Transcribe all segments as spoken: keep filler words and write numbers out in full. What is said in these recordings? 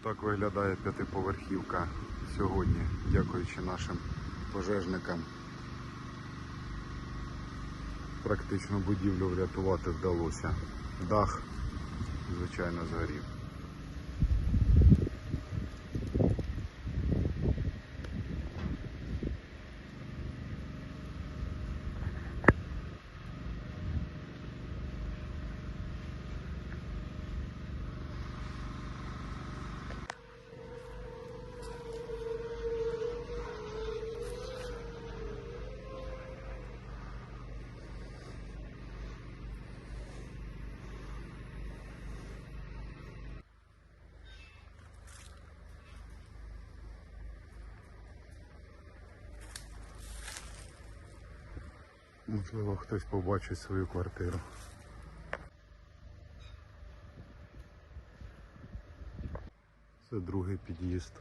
Отак виглядає п'ятиповерхівка сьогодні, дякуючи нашим пожежникам. Практично будівлю врятувати вдалося. Дах, звичайно, згорів. Можливо, хтось побачить свою квартиру. Це другий під'їзд.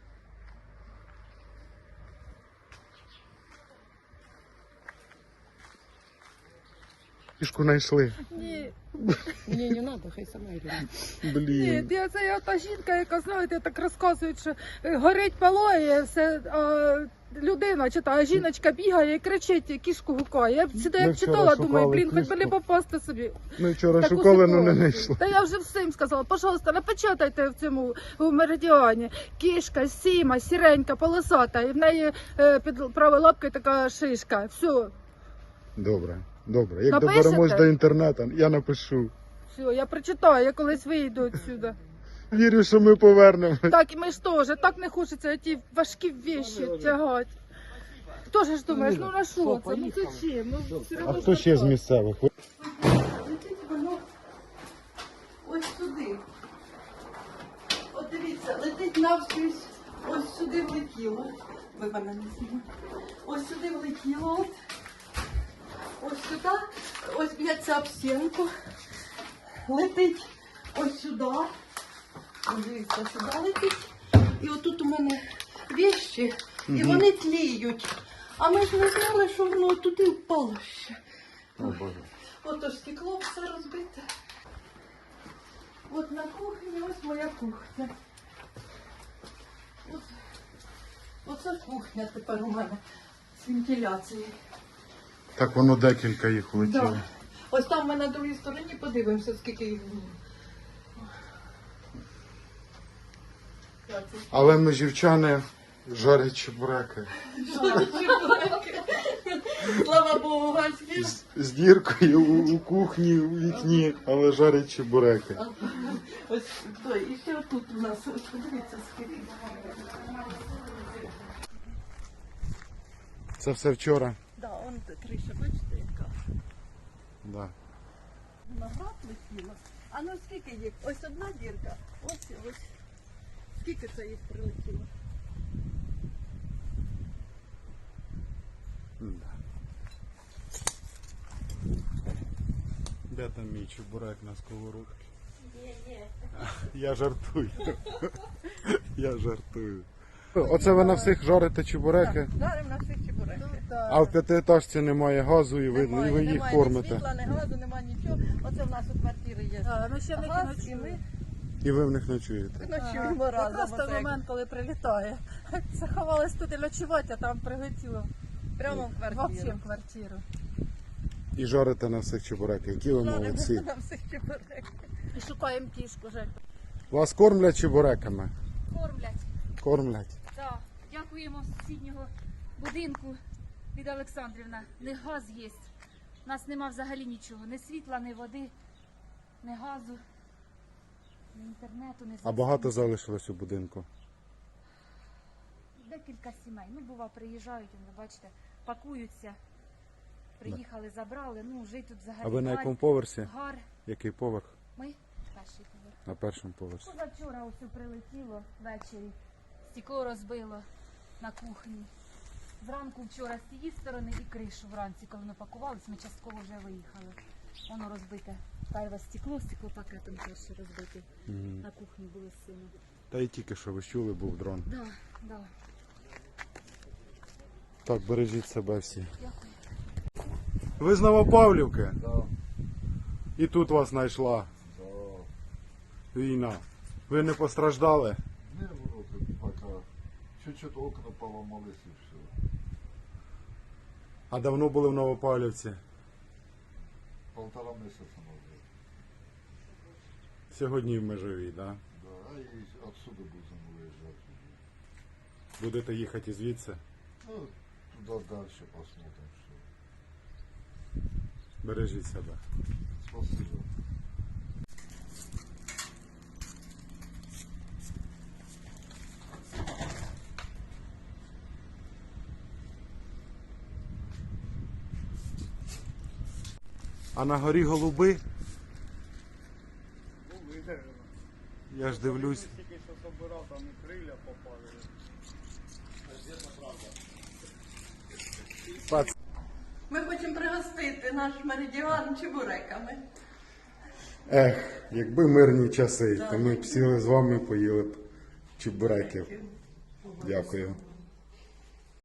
Кішку знайшли. Ні. Ні, не треба, хай сама йде. Блін. Ні, це я та жінка, яка, знаєте, так розказують, що е, горить палає, все, а людина читає, жіночка бігає і кричить, кішку гукає. Я б сюди Ми як вчора читала, думаю, шукали блін, хоч би не кішку. попасти собі. Ми вчора Таку шукали, але не ситуацію. знайшли. Та я вже всім сказала, пожалуйста, напечатайте в цьому в меридіані. Кішка, сіма, сіренька, полосата, і в неї е, під правою лапкою така шишка. Все, Добре, добре. Як Напишете? доберемось до інтернету, я напишу. все, я прочитаю, я колись вийду відсюди. Вірю, що ми повернемось. Так і ми ж теж, так не хочеться ті важкі віші тягати. Хто ж думаєш, ну на що це? Ну це чим? Ну, все А одно хто ж ще з так. місцевих? Летить воно ось сюди. От дивіться, летить навскрізь, ось сюди влетіло. Ви мене не знімаєте. Ось сюди влетіло, от. Ось сюди, ось б'ється об стінку. Летить ось сюди. Ось дивіться, сюди летить. І отут у мене вещі, і вони тліють. А ми ж не знали, що воно туди впало ще. О, Боже. Ото ж стекло все розбите. От на кухні, ось моя кухня. От, оце кухня тепер у мене з вентиляцією. Так воно декілька їх влетіло. Да. Ось там ми на другій стороні подивимося, скільки їх було. Так, це Але ми жівчани жарять чебуреки. Слава Богу, гальські. З, з діркою у, у кухні, у вікні, але жарять чебуреки. Ось, то, і ще отут у нас, ось подивіться, скільки. Це все вчора. Да, он криша, бачите, яка. Да. Виноград летіло. А ну скільки їх? Ось одна дірка, ось і ось. Скільки це їх прилетіло? Да. Де там мій чебурек на сковородці? Ні, ні. Я жартую. Я жартую. Оце ви на всіх жарите чебуреки, Жаримо на всіх чебуреках. а в п'ятиетажці немає газу і ви, і Немає, ви їх немає кормите. ні світла, ні газу, немає нічого. Оце в нас у квартирі є А, ну ще в них і газ, і ночує. ми І ви в них ночуєте. ночуємо разом. Якраз той Оце як момент, коли прилітає. Заховалась тут і ночувати, а там прилетіло прямо в взагалі квартиру. в квартиру. І жарите на всіх чебуреків. Які ви Жаримо молодці. на всіх чебуреках. І шукаємо кішку, Жень. Вас кормлять чебуреками? Кормлять. Кормлять. Так. Дякуємо з сусіднього будинку від Олександрівна. Не газ є. У нас нема взагалі нічого. Ні світла, ні води, ні газу, ні інтернету, ні А багато залишилось у будинку? Декілька сімей. Ну, бува, приїжджають, ви бачите, пакуються. Приїхали, забрали. Ну, жить тут взагалі. А ви на гар, якому поверсі? Гар. Який поверх? Ми перший поверх. На першому поверсі. Позавчора ось прилетіло ввечері, стекло розбило на кухні. Зранку вчора з цієї сторони і кришу вранці, коли ми пакувалися, ми частково вже виїхали. Воно розбите. Перше стекло, стеклопакетом перше розбите. Мгм. На кухні були з сином. Та й тільки що ви чули, був дрон. Да, да. Так, бережіть себе всі. Дякую. Ви з Новопавлівки? Да. І тут вас знайшла Да. війна. Ви не постраждали? Чуть-чуть окна поломались и все. А давно були в Новопавлівці? Полтора месяца назад. Сьогодні в Межовій, да? Да, и отсюда будем выезжать уже. Будете їхати звідси? Ну, туда дальше посмотрим, что. Бережіть себе. Спасибо. А на горі голуби? Я ж дивлюсь. Тільки що собирав, там і крилля попали. Пац... Ми хочемо пригостити наш меридіан чебуреками. Ех, якби мирні часи, то ми б сіли з вами, поїли б чебуреків. Дякую.